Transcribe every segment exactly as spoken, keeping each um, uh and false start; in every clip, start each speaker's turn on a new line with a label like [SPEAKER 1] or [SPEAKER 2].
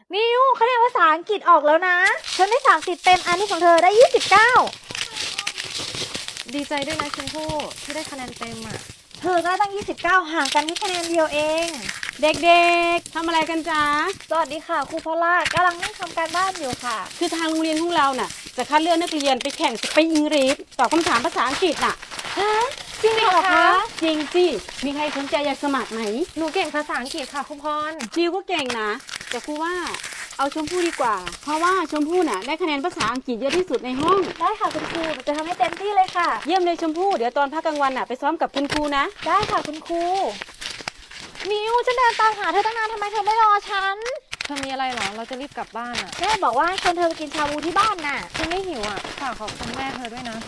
[SPEAKER 1] นิวคะแนนภาษาอังกฤษออกแล้วนะฉันได้สามสิบเต็มอันนี้ของเธอได้ยี่สิบเก้า
[SPEAKER 2] ดีใจด้วยนะชมพู่ที่ได้คะแนนเต็มอ่ะ
[SPEAKER 1] เธอก็ตั้งยี่สิบเก้าห่างกันแค่คะแนนเดียวเอง
[SPEAKER 3] เด็กๆทำอะไรกันจ๊ะ
[SPEAKER 1] สวัสดีค่ะครูพอลล่ากำลังนั่งทำการบ้านอยู่ค่ะ
[SPEAKER 3] คือทางโรงเรียนของเราน่ะจะคัดเลือกนักเรียนไปแข่งสปีกอังกฤษตอบคำถามภาษาอังกฤษน่ะ
[SPEAKER 1] ฮะจริงเหรอคะ
[SPEAKER 3] จริงสิมีใครสนใจอยากสมัครไหม
[SPEAKER 2] หนูเก่งภาษาอังกฤษค่ะครูพร
[SPEAKER 3] นิวก็เก่งนะแต่ครูว่าเอาชมพู่ดีกว่าเพราะว่าชมพู่น่ะได้คะแนนภาษาอังกฤษเยอะที่สุดในห้อง
[SPEAKER 1] ได้ค่ะคุณครูจะทำให้เต็มที่เลยค่ะ
[SPEAKER 3] เยี่ยมเลยชมพู่เดี๋ยวตอนพักกลางวันน่ะไปซ้อมกับคุณครูนะ
[SPEAKER 1] ได้ค่ะคุณครูนิวจะเดินตามหาเธอตั้งนานทำไมเธอไม่รอฉัน
[SPEAKER 2] เธอมีอะไรเหรอเราจะรีบกลับบ้านอ่ะ
[SPEAKER 1] แม่บอกว่าชวนเธอไปกินชาบูที่บ้านน่ะ
[SPEAKER 2] ฉันไม่หิวอ่ะฝากขอบคุณแม่เธอด้วยนะ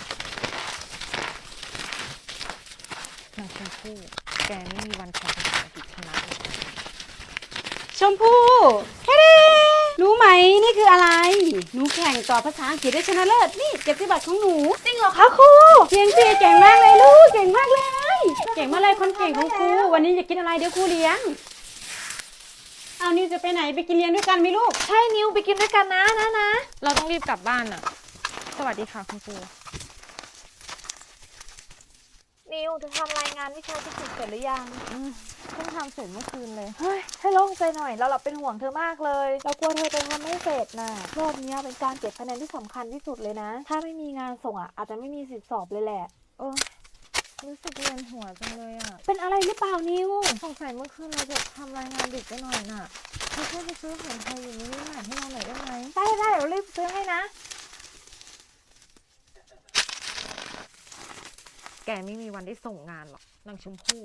[SPEAKER 2] นางชมพู่แกไม่มีวันแข่งภาษาอังกฤษชนะเลย
[SPEAKER 3] ชมพู่เฮ้รู้ไหมนี่คืออะไรหนูแข่งต่อภาษาอังกฤษได้ชนะเลิศนี่เกียรติบัตรของหนู
[SPEAKER 1] จริงเหรอคะครู
[SPEAKER 3] เก่งสิเก่งมากเลยลูกเก่งมากเลยเก่งมากเลยคนเก่งของครูวันนี้จะกินอะไรเดี๋ยวครูเลี้ยงเอานิวจะไปไหนไปกินเลี้ยงด้วยกันไหมลูก
[SPEAKER 1] ใช่นิวไปกินด้วยกันนะนะนะ
[SPEAKER 2] เราต้องรีบกลับบ้านอ่ะสวัสดีค่ะคุณครู
[SPEAKER 1] นิวจะทำรายงานวิชาฟิสิกส์เสร็จหรือยัง
[SPEAKER 2] เพิ่งทำเสร็จเมื่อคืนเลย
[SPEAKER 1] เฮ้ยให้โล่งใจหน่อยเราหลับเป็นห่วงเธอมากเลยเรากลัวเธอจะทำไม่เสร็จน่ะรอบนี้เป็นการเก็บคะแนนที่สำคัญที่สุดเลยนะถ้าไม่มีงานส่งอ่ะอาจจะไม่มีสิทธิสอบเลยแหละ
[SPEAKER 2] โอ้รู้สึกเวียนหัวจังเลยอ่ะ
[SPEAKER 1] เป็นอะไรหรือเปล่านิว
[SPEAKER 2] สงสัยเมื่อคืนเราจะทำรายงานดึกไปหน่อยน่ะเธอช่วยไปซื้ออาหารไทยอยู่นี่หน่อยให้เราหน่อยได้ไหม
[SPEAKER 1] ได้ได้เดี๋ยวรีบซื้อให้นะ
[SPEAKER 2] แกไม่มีวันได้ส่งงานหรอกนางชมพู่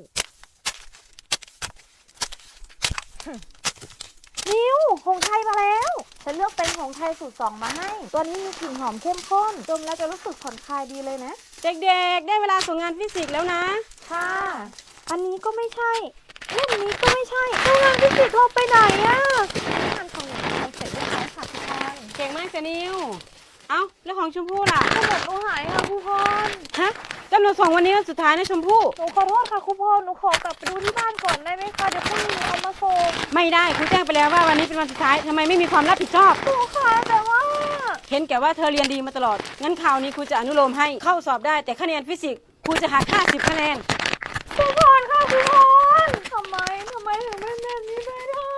[SPEAKER 1] นิวหงไทยมาแล้วฉันเลือกเป็นหงไทยสูตรสองมาให้ตัวนี้มีกลิ่นหอมเข้มข้นดมแล้วจะรู้สึกผ่อนคลายดีเลยนะ
[SPEAKER 3] เด็กๆได้เวลาส่งงานฟิสิกส์แล้วนะ
[SPEAKER 1] ค่ะอันนี้ก็ไม่ใช่เล่มนี้ก็ไม่ใช่แล้วงานฟิสิกส์เราไปไหนอะ
[SPEAKER 2] งานของหนูทำเสร็จเรียบร้อยค่ะทุกคน
[SPEAKER 3] เก่งมากจ้ะนิวเอ้าแล้วของชมพู่ล่ะ
[SPEAKER 1] กำหนดหนูหายค่ะครูพร
[SPEAKER 3] ฮะกำหนดส่งวันนี้วันสุดท้ายนะชมพู่
[SPEAKER 1] หนูขอโทษค่ะครูพรหนูขอกลับไปดูที่บ้านก่อนได้ไหมคะเดี๋ยวพรุ่งนี้เอามาส่ง
[SPEAKER 3] ไม่ได้ครูแจ้งไปแล้วว่าวันนี้เป็นวันสุดท้ายทำไมไม่มีความรับผิดชอบ
[SPEAKER 1] ครูคะแต่ว่า
[SPEAKER 3] เห็นแก่ว่าเธอเรียนดีมาตลอดงั้นคราวนี้ครูจะอนุโลมให้เข้าสอบได้แต่คะแนนฟิสิกส์ครูจะหักห้าสิบคะแนน
[SPEAKER 1] ครูพรค่ะครูพรทำไมทำไมถึงเป็นแบบนี้ไม่ได้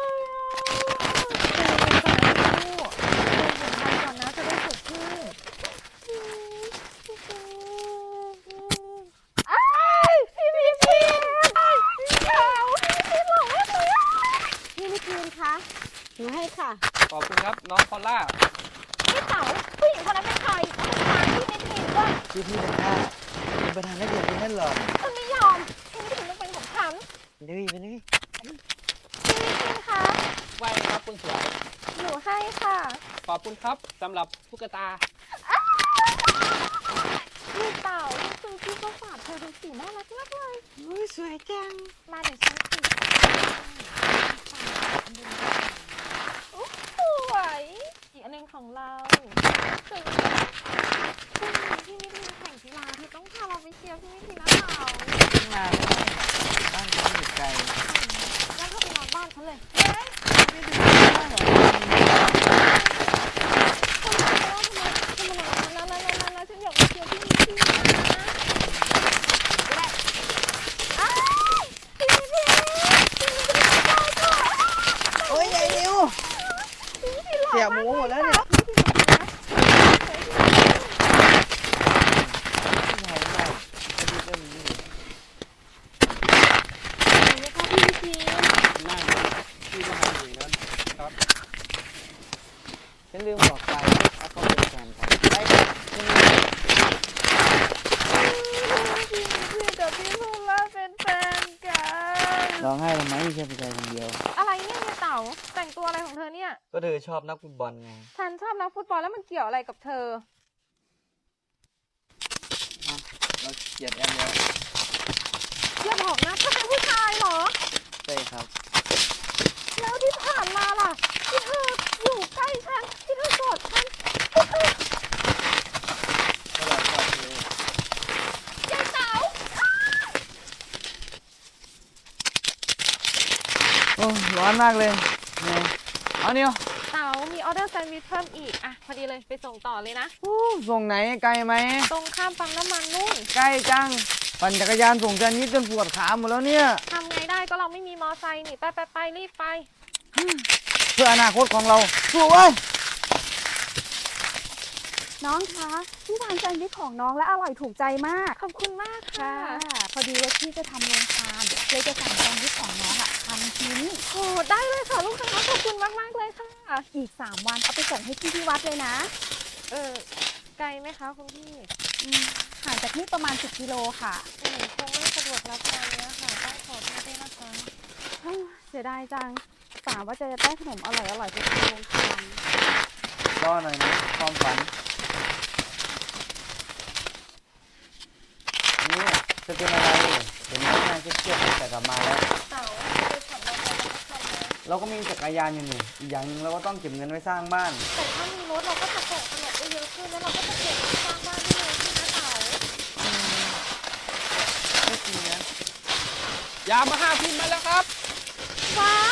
[SPEAKER 3] หนูให้ค่ะ
[SPEAKER 4] ขอบคุณครับน้องพอลล่า
[SPEAKER 1] พี่เต๋าผู้หญิงคนนั้นเป็นใครเป็นทางที่ไม่ผิดด้วย
[SPEAKER 5] ชื่อพี่เป็นข้าเป็นประธานนักเรียนคนนั้นหรอ
[SPEAKER 1] ฉันไม่ยอมฉันไม่ถึงต้องเป็นของฉัน
[SPEAKER 5] เป็นนี่เป็นนี่
[SPEAKER 1] พี่พี่คะ
[SPEAKER 4] ไหวครับคุณสวย
[SPEAKER 1] หนูให้ค่ะ
[SPEAKER 4] ขอบคุณครับสำหรับตุ๊กตา
[SPEAKER 1] พี่เต๋าคือพี่ก็ฝากเธอเป็นสีน่ารักมากเลย
[SPEAKER 3] อุ้ยสวยจัง
[SPEAKER 1] มาเดี๋ยวฉันสีสวยอีกอันหนึ่งของเราพรุ่งนี้พี่มิทีนแข่งกีฬาเธอต้องพาเราไปเชียร์พี่มิทีนนะเต๋า
[SPEAKER 5] มาบ้านฉันอยู่ไกล
[SPEAKER 1] งั้นก็ไปนอนบ้านฉันเลย
[SPEAKER 5] ไม่ดูบ้านหรอ
[SPEAKER 1] ทำไมทำไมทำไมนะนะนะนะฉันอยากไปเชียร์พี่มิทีนนะ
[SPEAKER 5] โอ้ยยายนิวเสียหมูหมดแล้วเนี่ยฉันลืมบอกไปเอาเขาเป็นแฟนกันไป
[SPEAKER 1] พี่พี่กับพี่พูดว่าเป็นแฟนกัน
[SPEAKER 5] ร้องไห้ทำไมแค่ผู้ชายคนเดียว
[SPEAKER 2] อะไรเนี่ยเต๋าแต่งตัวอะไรของเธอเนี่ย
[SPEAKER 5] ก็เธอชอบนักฟุตบอลไง
[SPEAKER 2] ฉันชอบนักฟุตบอลแล้วมันเกี่ยวอะไรกับเธอ
[SPEAKER 5] เราเกลียดแอมแล้ว
[SPEAKER 2] อย่าบอกนะเธอเป็นผู้ชายเหรอ
[SPEAKER 5] ใช่ครับ
[SPEAKER 2] แล้วที่ผ่านมาล่ะที่เธออยู่ใกล้ฉันที่เธอกอดฉันที่เธอ
[SPEAKER 5] ก็เราชอบเธอย
[SPEAKER 2] ายเต๋า
[SPEAKER 5] โอ้ร้อนมากเลยไงเอาเอานิว
[SPEAKER 2] เต๋ามีออเดอร์แซนด์วิชเพิ่มอีกอ่ะพอดีเลยไปส่งต่อเลยนะ
[SPEAKER 5] ส่งไหนไกลไหม
[SPEAKER 2] ตรงข้ามปั๊มน้ำมันนู่น
[SPEAKER 5] ใกล้จัง ปั่นจักรยานส่งแซนด์วิชจนปวดขาหมดแล้วเนี่ย
[SPEAKER 2] ทำไงได้ก็เราไม่มีมอไซค์นี่ไปไปไปรีบไป
[SPEAKER 5] เพื่ออนาคตของเราสู้เว้ย
[SPEAKER 1] น้องคะพี่ทานแซนด์วิชของน้องและอร่อยถูกใจมาก
[SPEAKER 2] ขอบคุณมากค่ะ
[SPEAKER 1] พอดีว่าพี่จะทำโรงทานเลยจะสั่งแซนด์วิชของน้องอะพันชิ้น
[SPEAKER 2] โอ้ได้เลยค่ะลูกค้าขอบคุณมากมากๆเลยค่ะ
[SPEAKER 1] อีกสามวันเอาไปส่งให้พี่ที่วัดเลยนะ
[SPEAKER 2] เออไกลไหมคะคุณพี่
[SPEAKER 1] อืมห่างจากนี่ประมาณสิบกิโลค่ะ
[SPEAKER 2] หนูคงไม่สะดวกรับงานเนี้ยค่ะต้องขอโทษด้วยนะคะ
[SPEAKER 1] เฮ้ยเสียดายจังป่าว่าจะได้ขนมอร่อยอร่อยๆไปทำโรงทาน
[SPEAKER 5] รอหน่อยนะความฝัน นี่จะเป็นอะไรเห็นหน้าเครียดๆแต่กลับมาแล้ว
[SPEAKER 2] เต๋าไปขับรถไปแล้วก็ทำเลย
[SPEAKER 5] เราก็มีจักรยานอยู่นี่อีกอย่างหนึงเราก็ต้องเก็บเงินไว้สร้างบ้าน
[SPEAKER 2] แต่ถ้ามีรถเราก็จะส่งขนมได้เยอะขึ้นแล้วเราก็จะเก็บสร้างบ้านได้เยอะขึ้นนะเต๋า
[SPEAKER 5] ไม่จริงนะ
[SPEAKER 4] ยามาห้าพิมพ์มาแล้วครับ
[SPEAKER 2] ว้าว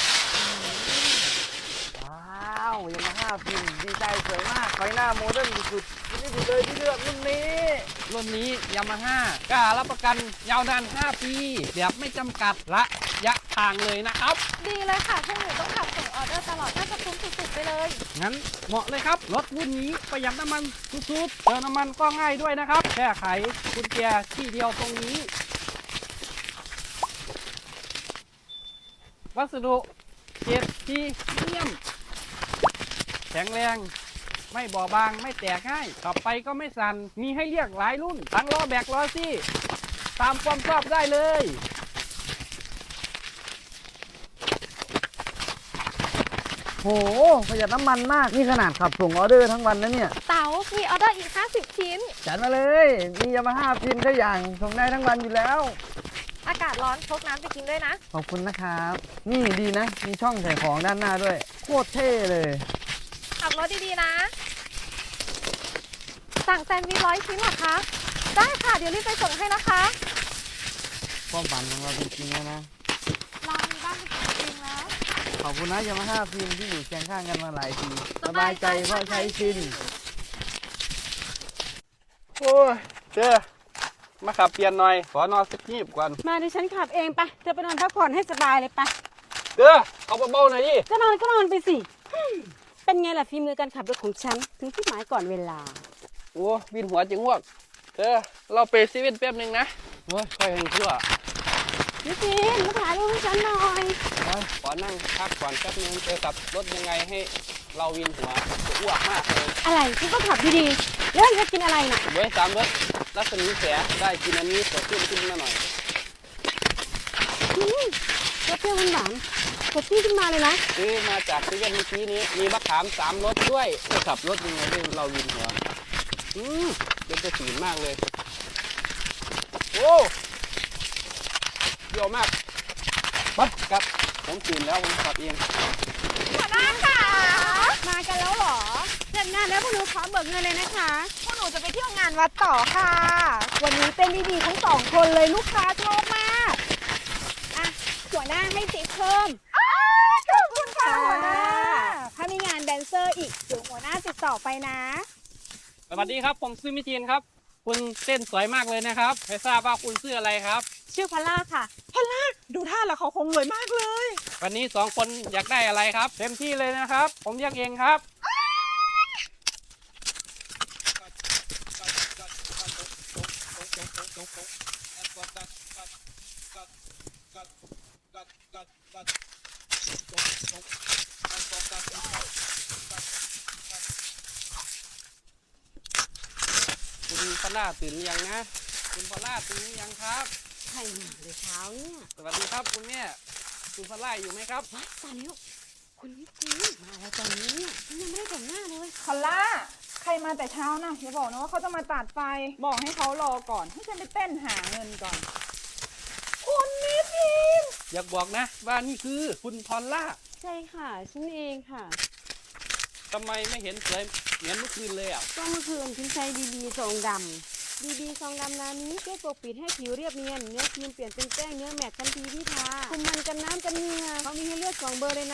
[SPEAKER 5] ว้าวยามาฮ่าพิมพ์ดีใจสวยมากไฟหน้าโมเดิร์นสุดๆนี่สุดเลยที่เลือกรุ่นนี้
[SPEAKER 4] รุ่นนี้ยามาฮ่ากล้ารับประกันยาวนานห้าปีแบบไม่จำกัดระยะทางเลยนะครับ
[SPEAKER 2] ดีเลยค่ะพวกหนูต้องขับส่งออเดอร์ตลอดน่าจะคุ้มสุดๆไปเลย
[SPEAKER 4] งั้นเหมาะเลยครับ รถรุ่นนี้ประหยัดน้ำมันสุดๆเติมน้ำมันก็ง่ายด้วยนะครับ แค่ไขกุญแจที่เดียวตรงนี้ วัสดุเกรดพรีเมียม แข็งแรง ไม่บอบบางไม่แตกง่ายขับไปก็ไม่สั่น มีให้เรียกหลายรุ่น ทั้งล้อแบกล้อซี่ ตามความชอบได้เลย
[SPEAKER 5] โหประหยัดน้ำมันมากนี่ขนาดขับส่งออเดอร์ทั้งวันนะเนี่ย
[SPEAKER 2] เต๋ามีออเดอร์อีกห้าสิบชิ้น
[SPEAKER 5] จัดมาเลย มียามาฮ่าพิมพ์ได้อย่างส่งได้ทั้งวันอยู่แล้ว
[SPEAKER 2] อากาศร้อนพกน้ำไปกินด้วยนะ
[SPEAKER 5] ขอบคุณนะครับ นี่ดีนะ มีช่องใส่ของด้านหน้าด้วย โคตรเท่เลย
[SPEAKER 2] ขับรถดีๆนะ สั่งแซนด์วิชร้อยชิ้นเหรอคะ ได้ค่ะ เดี๋ยวรีบไปส่งให้นะคะ
[SPEAKER 5] ความฝันของเราเป็นจริงแล้วนะ
[SPEAKER 2] เรามีบ้านเป็นของจริงแล้ว
[SPEAKER 5] ขอบคุณนะยามาฮ่าพิมพ์ที่อยู่เคียงข้างกันมาหลายปีสบายใจเพราะใช้ชิน
[SPEAKER 4] โอ้ยเจ้มาขับเปลี่ยนหน่อย ขอนอนสักทีบก่อน
[SPEAKER 3] มาดิฉันขับเองไปเธอไปนอนพักผ่อนให้สบายเลยไป
[SPEAKER 4] เด้อเอาเบาๆหน่อยดิ
[SPEAKER 3] ก็นอนก็นอนไปสิฮึ่มเป็นไงล่ะฝีมือการขับรถของฉันถึงที่หมายก่อนเวลา
[SPEAKER 4] โอ้วินหัวจิงวกเด้อเราไปซีเว่นแป๊บหนึงนะโอ้ยค่อยให้ชั่ว
[SPEAKER 3] นิสินมาถ่ายรูปให้ฉันหน่อย
[SPEAKER 4] โอ้ยขอนั่งพักก่อนแป๊บนึงเจอกับรถยังไงให้เราวินหัวจะอ้วกมากเลย
[SPEAKER 3] อะไรคุณก็ขับดีๆแล้วจะกินอะไรน่ะ
[SPEAKER 4] เว้ยสามรถรัศมีแสได้กินอันนี้สดชื่นขึ้นมาหน่อย
[SPEAKER 3] อืมรสเปรี้ยวหวานๆสดชื่นขึ้นมาเลยนะ
[SPEAKER 4] ซื้อมาจากซีเว่นเมื่อกี้นี้มีมะขามสามรสด้วยจะขับรถยังไงให้เราวินหัวอืมเป็นกระสีมากเลยโอ้เยอะมากปั๊บครับ ผมตื่นแล้วผมขับเอง
[SPEAKER 2] หัวหน้าค่ะ
[SPEAKER 3] มากันแล้วเหรอเสร็จงานแล้วพวกหนูขอเบิกเงินเลยนะคะ
[SPEAKER 2] พวกหนูจะไปเที่ยวงานวัดต่อค่ะ
[SPEAKER 1] วันนี้เต้นดีๆทั้งสองคนเลยลูกค้าชอบมาก
[SPEAKER 3] อ่ะหัวหน้าให้ติปเพิ่ม
[SPEAKER 2] ขอบคุณค่ะหัวหน้า
[SPEAKER 1] ถ้ามีงานแดนเซอร์อีกเดี๋ยวหัวหน้าติดต่อไปนะ
[SPEAKER 4] สวัสดีครับผมซื้อมิทีนครับ คุณเต้นสวยมากเลยนะครับไม่ทราบว่าคุณชื่ออะไรครับ
[SPEAKER 3] ชื่อพอลล่าค่ะ
[SPEAKER 6] ดูท่าแล้วเขาคงรวยมากเลย
[SPEAKER 4] วันนี้สองคนอยากได้อะไรครับ เต็มที่เลยนะครับ ผมเรียกเองครับ คุณพอลล่าตื่นหรือยังนะ คุณพอลล่าตื่นหรือยังครับ
[SPEAKER 3] ใครมาเลยเช้าเนี่ย
[SPEAKER 4] สวัสดีครับคุณแม่ คุณพอลล่าอยู่ไหมครับ
[SPEAKER 3] ว้ายตายแล้วคุณนิติมาแล้วตอนนี้เนี่ยฉันยังไม่ได้แต่งหน้าเลย
[SPEAKER 6] คอลล่า ใครมาแต่เช้านะอย่าบอกนะว่าเขาจะมาตัดไฟ บอกให้เขารอก่อน ให้ฉันไปเต้นหาเงินก่อน คุณนิทิน
[SPEAKER 4] อยากบอกนะว่านี่คือคุณพอลล่า
[SPEAKER 3] ใช่ค่ะฉันเองค่ะ
[SPEAKER 4] ทำไมไม่เห็นสวยเหมือนเมื่อคืนเลยอ่ะ
[SPEAKER 3] ก็เมื่อคืนฉันใช้บีบีซองดำบีบีซองดำนานี้ช่วยปกปิดให้ผิวเรียบเนียนเนื้อครีมเปลี่ยนเป็นแป้งเนื้อแมตต์ทันทีที่ทาคุมมันกันน้ำกันเหงื่อเขามีให้เลือกสองเบอร์เลยนะ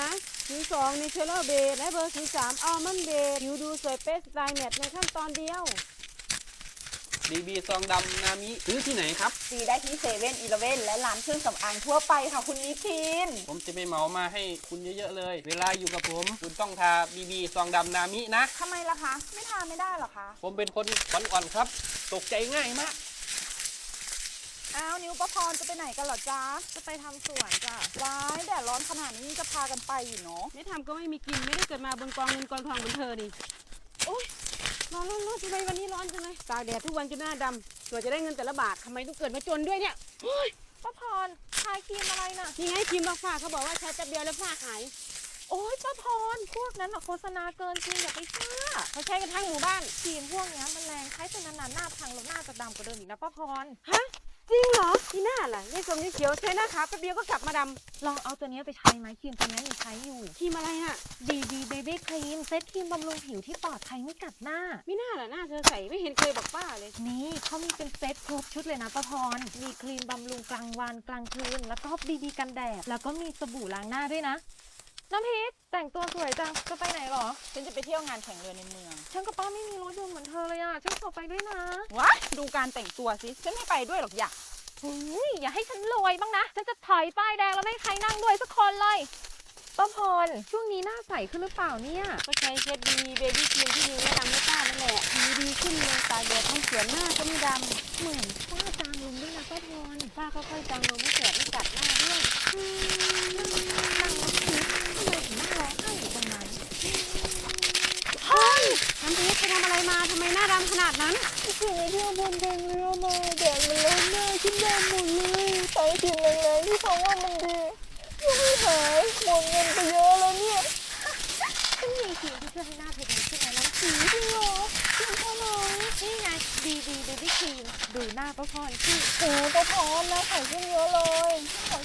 [SPEAKER 3] ศูนย์สองเนเชอรัลเบสและเบอร์ศูนย์สามอัลมอนด์เบสผิวดูสวยเป๊ะสไตล์แมทในขั้นตอนเดียว
[SPEAKER 4] บีบีซองดำนามิซื้อที่ไหนครับ
[SPEAKER 6] ซื้อได้ที่เซเว่นอีเลฟเว่นและร้านเครื่องสำอางทั่วไปค่ะคุณนิทิน
[SPEAKER 4] ผมจะไปเหมามาให้คุณเยอะๆเลย เวลาอยู่กับผม คุณต้องทาบีบีซองดำนามินะ
[SPEAKER 6] ทำไมล่ะคะ ไม่ทานไม่ได้หรอคะ
[SPEAKER 4] ผมเป็นคนขวัญอ่อนครับ ตกใจง่ายมาก
[SPEAKER 6] อ้าวนิวประพรจะไปไหนกันเหรอจ๊ะ
[SPEAKER 1] จะไปทำสวนจ้ะ
[SPEAKER 6] ว้ายแดดร้อนขนาดนี้จะพากันไปอยู่เนาะ
[SPEAKER 3] ไม่ทำก็ไม่มีกินไม่ได้เกิดมาบนกองเงินกองทองเหมือนเธอนี่โอ๊ยร้อนร้อนร้อนจังเลยวันนี้ร้อนจังเลยตากแดดทุกวันจนหน้าดำเผื่อจะได้เงินแต่ละบาททำไมต้องเกิดมาจนด้วยเนี่ยโอ๊ย
[SPEAKER 1] ป้าพรทาครีมอะไรน่ะ
[SPEAKER 3] นี่ไงครีมลอกฝ้าเขาบอกว่าใช้แป๊บเดียวแล้วฝ้าหาย
[SPEAKER 1] โอ๊ยป้าพรพวกนั้นอะโฆษณาเกินจริงอย่าไปเชื่อ
[SPEAKER 3] เขาใช้กันทั้งหมู่บ้าน
[SPEAKER 1] ครีมพวกเนี้ยมันแรงใช้เป็นนานๆหน้าพังแล้วหน้าจะดำกว่าเดิมอีกนะป้าพร
[SPEAKER 3] ฮะจริงเหรอที่หน้าล่ะยายสมยายเขียวใช้หน้าขาวแป๊บเดียวก็กลับมาด
[SPEAKER 1] ลองเอาตัวเนี้ยไปใช้ไหมครีมตัวเนี้ยยังใช้อยู่
[SPEAKER 3] ำครีมอะไรน่ะ
[SPEAKER 1] บี บี Baby Cream เซตครีมบำรุงผิวที่ปลอดภัยไม่กัดหน้า
[SPEAKER 3] ไม่น่าล่ะหน้าเธอใส่ไม่เห็นเคยบอกป้าเลย
[SPEAKER 1] นี่เขามีเป็นเซตครบชุดเลยนะป้าพร มีครีมบำรุงกลางวันกลางคืน แล้วก็บีบีกันแดด แล้วก็มีสบู่ล้างหน้าด้วยนะ น้ำพริกแต่งตัวสวยจัง จะไปไหนหรอ
[SPEAKER 6] ฉันจะไปเที่ยวงานแข่งเรือในเมือง
[SPEAKER 1] ฉันกับป้าไม่มีรถยนต์เหมือนเธอเลยอ่ะ ฉันขอไปด้วยนะ
[SPEAKER 6] ว้ายดูการแต่งตัวสิ ฉันไม่ไปด้วยหรอกอยาก
[SPEAKER 1] หุยอย่าให้ฉันรวยบ้างนะ ฉันจะถอยป้ายแดงแล้วไม่ให้ใครนั่งด้วยสักคนเลยป้าพร ช่วงนี้หน้าใสขึ้นหรือเปล่าเนี่ย
[SPEAKER 3] ก็ใช้เช็ดดีเบบี้ครีมที่นิวแนะนำให้ป้านั่นแหละผิวดีขึ้นเลยตากแดดทั้งสวนหน้าก็ไม่ดำ
[SPEAKER 1] เหมือนป้าจางลงด้วยนะป้าพร
[SPEAKER 3] ป้าก็ค่อยจางลงไม่แสบไม่กัดหน้าด้วย
[SPEAKER 1] อืมนั่งแล้วคิดทำไมถึงนั่งร้องไห้อยู่ตรงนั้น
[SPEAKER 3] เฮ้ยน้ำพริกไปทำอะไรมาทำไมหน้าดำขนาดนั้น
[SPEAKER 1] ถึงไปเที่ยวบนแดงเรือมาแดดมันร้อนหน้าขึ้นดำหมดเลยใช้ครีมแรงๆที่เขาว่ามันดียังไม่หายหมดเงินไปเยอะแล้วเนี่ยฉันมีครีมที่ช่วยให้หน้าเธอดีขึ้นนะน้องสีจริงเหรอจริงเท่าไหร่นี่ไง บี บี Baby Cream ดูหน้าป้าพรสิโอ้ป้าพรหน้าใสขึ้นเยอะเลยขอ